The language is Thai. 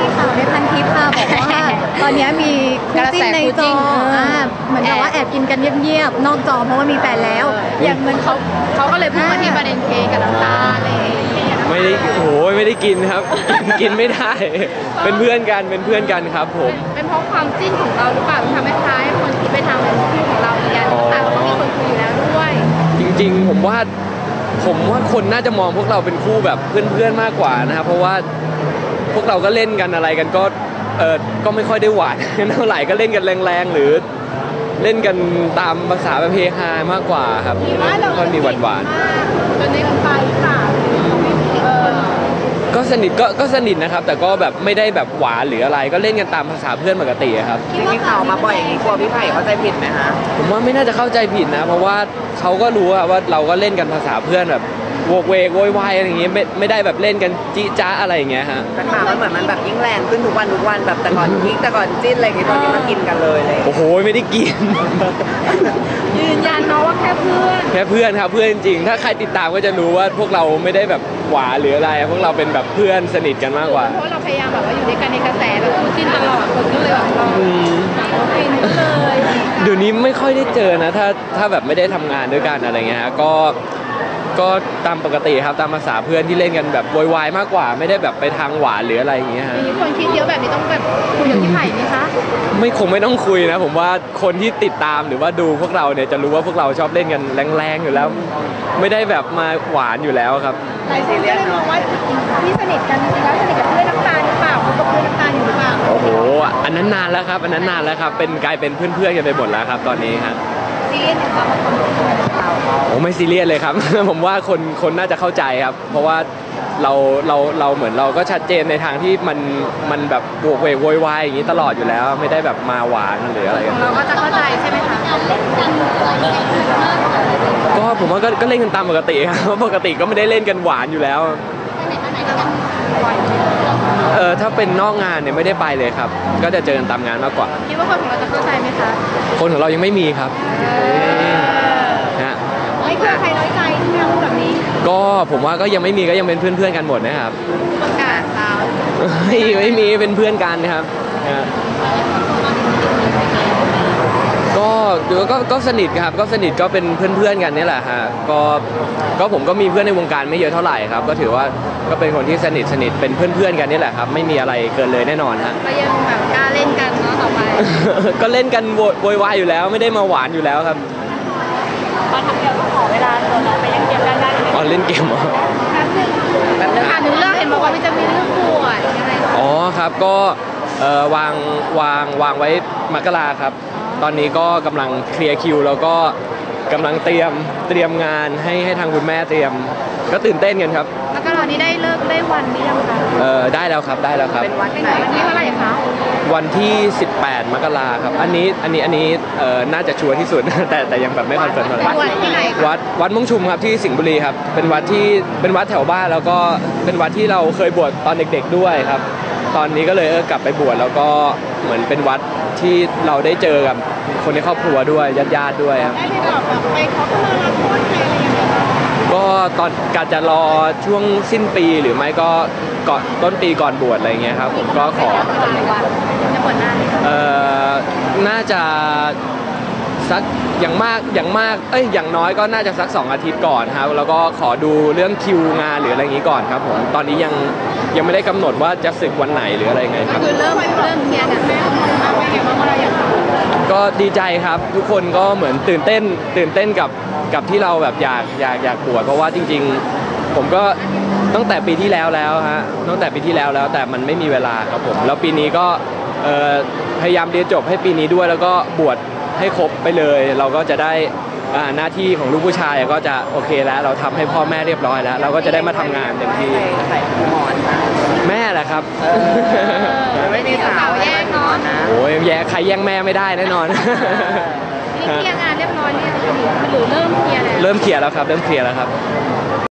ข่าวในพันทิปค่ะบอกว่าตอนนี้มีคู่จิ้นในจอเหมือนกับว่าแอบกินกันเงียบๆนอกจอเพราะว่ามีแฟนแล้วอย่างเหมือนเขาก็เลยพูดมาที่ประเด็นเคกับน้ำตาลอะไรอย่างเงี้ยไม่ได้โอ้ยไม่ได้กินครับกินไม่ได้เป็นเพื่อนกันครับผมเป็นเพราะความจิ้นของเราหรือเปล่าทำให้ท้ายคนคิดไปทางแบบคู่ของเราอย่างแต่เราก็มีคนคุยอยู่แล้วด้วยจริงๆผมว่าคนน่าจะมองพวกเราเป็นคู่แบบเพื่อนๆมากกว่านะครับเพราะว่าพวกเราก็เล่นกันอะไรกันก็ไม่ค่อยได้หวานเท่าไหร่ก็เล่นกันแรงๆหรือเล่นกันตามภาษาแบบเฮฮามากกว่าครับก็มีหวานๆจนได้กันไปค่ะก็สนิทนะครับแต่ก็แบบไม่ได้แบบหวานหรืออะไรก็เล่นกันตามภาษาเพื่อนปกติครับที่ข่าวมาบ่อยอย่างนี้กลัวพี่ไผ่เข้าใจผิดไหมคะผมว่าไม่น่าจะเข้าใจผิดนะเพราะว่าเขาก็รู้ว่าเราก็เล่นกันภาษาเพื่อนแบบโวกเวกโวยวายอะไรอย่างเงี้ยไม่ได้แบบเล่นกันจี้จ้าอะไรอย่างเงี้ยฮะแต่ข่าวมันเหมือนมันแบบยิ่งแรงขึ้นทุกวันแบบแต่ก่อนยิ่งแต่ก่อนจิ้นอะไรอย่างเงี้ยตอนนี้มากินกันเลยโอ้โหไม่ได้กินยืนยันเนาะว่าแค่เพื่อนครับเพื่อนจริงๆถ้าใครติดตามก็จะรู้ว่าพวกเราไม่ได้แบบหวานหรืออะไรพวกเราเป็นแบบเพื่อนสนิทกันมากกว่าเพราะเราพยายามแบบว่าอยู่ด้วยกันในกระแสแบบคู่จิ้นตลอดคนก็เลยแบบเราฟินเลยเดี๋ยวนี้ไม่ค่อยได้เจอนะถ้าแบบไม่ได้ทำงานด้วยกันอะไรเงี้ยก็ตามปกติครับตามภาษาเพื่อนที่เล่นกันแบบโวยวายมากกว่าไม่ได้แบบไปทางหวานหรืออะไรอย่างเงี้ยฮะมีคนคิดเยอะแบบนี้ต้องแบบคุยกับพี่ไผ่ไหมคะคงไม่ต้องคุยนะผมว่าคนที่ติดตามหรือว่าดูพวกเราเนี่ยจะรู้ว่าพวกเราชอบเล่นกันแรงๆอยู่แล้วไม่ได้แบบมาหวานอยู่แล้วครับหลายคนก็เลยมองว่าพี่สนิทกันจริงๆแล้วสนิทกับเพื่อนน้ำตาลหรือเปล่าเขากับเพื่อนน้ำตาลอยู่หรือเปล่าโอ้โหอันนั้นนานแล้วครับเป็นกลายเป็นเพื่อนๆกันไปหมดแล้วครับตอนนี้ครับซีเรียสไหมคะโอ้ไม่ซีเรียสเลยครับ ผมว่าคนน่าจะเข้าใจครับเพราะว่าเราเหมือนเราก็ชัดเจนในทางที่มันแบบบวกเวกโวยวายอย่างนี้ตลอดอยู่แล้วไม่ได้แบบมาหวานหรืออะไรกันเราก็จะเข้าใจใช่ไหมคะก็ผมว่าก็เล่นกันตามปกติครับปกติก็ไม่ได้เล่นกันหวานอยู่แล้วถ้าเป็นนอกงานเนี่ยไม่ได้ไปเลยครับก็จะเจอกันตามงานมากกว่าคิดว่าคนของเราจะเข้าใจไหมคะคนของเรายังไม่มีครับไม่เคยใครน้อยใจที่เราพูดแบบนี้ก็ผมว่าก็ยังไม่มีก็ยังเป็นเพื่อนกันหมดนะครับประกาศเราไม่มีเป็นเพื่อนกันครับก็สนิทครับก็สนิทก็เป็นเพื่อนกันนี่แหละฮะก็ผมก็มีเพื่อนในวงการไม่เยอะเท่าไหร่ครับก็ถือว่าก็เป็นคนที่สนิทเป็นเพื่อนกันนี่แหละครับไม่มีอะไรเกินเลยแน่นอนฮะก็ยังแบบกล้าเล่นกันเนาะต่อไปก็เล่นกันโวยวายอยู่แล้วไม่ได้มาหวานอยู่แล้วครับพอทำเดียวก็ขอเวลาตัวเราไปเล่นเกมได้อ๋อเล่นเกมเหรอแป๊บนึงค่ะหนูเลือกเห็นบอกว่ามันจะมีเรื่องป่วยยังไงอ๋อครับก็วางไว้มกราครับตอนนี้ก็กำลังเคลียร์คิวแล้วก็กำลังเตรียมงานให้ทางคุณแม่เตรียมก็ตื่นเต้นกันครับแล้วก็ตอนนี้ได้เลิกได้วันนี้ยังคะได้แล้วครับเป็นวันไหนวันที่เท่าไหร่คะวันที่18 มกราครับอันนี้น่าจะชัวร์ที่สุดแต่ยังแบบไม่คอนเฟิร์มอะไรวัดที่ไหนวัดม่วงชุมครับที่สิงห์บุรีครับเป็นวัดแถวบ้านแล้วก็เป็นวัดที่เราเคยบวชตอนเด็กๆด้วยครับตอนนี้ก็เลยกลับไปบวชแล้วก็เหมือนเป็นวัดที่เราได้เจอกับคนในครอบครัวด้วยญาติด้วยครับได้ไปบอกไปขอเข้ามารับโทษใครอะไรอย่างเงี้ยก็ตอนการจะรอช่วงสิ้นปีหรือไม่ก็ก่อนต้นปีก่อนบวชอะไรเงี้ยครับผมก็ขอจะบวชนานน่าจะสักอย่างมากอย่างน้อยก็น่าจะสัก2 อาทิตย์ก่อนครับแล้วก็ขอดูเรื่องคิวงานหรืออะไรอย่างนี้ก่อนครับผมตอนนี้ยังไม่ได้กำหนดว่าจะศึกวันไหนหรืออะไรไงครับคือเริ่มเคลียร์กันแล้วไม่เห็นว่าเราอยากก็ดีใจครับทุกคนก็เหมือนตื่นเต้นกับที่เราแบบอยากบวชเพราะว่าจริงๆผมก็ตั้งแต่ปีที่แล้วฮะตั้งแต่ปีที่แล้วแต่มันไม่มีเวลาครับผมแล้วปีนี้ก็พยายามเรียนจบให้ปีนี้ด้วยแล้วก็บวชให้ครบไปเลยเราก็จะได้หน้าที่ของลูกผู้ชายก็จะโอเคแล้วเราทำให้พ่อแม่เรียบร้อยแล้วเราก็จะได้มาทำงานเต็มที่แม่แหละครับไม่มีสาวแย่งเนาะโอ้ยใครแย่งแม่ไม่ได้แน่นอนนี่เคลียร์งานเรียบร้อยเนี่ยหรือเริ่มเคลียร์แล้วเริ่มเคลียร์แล้วครับ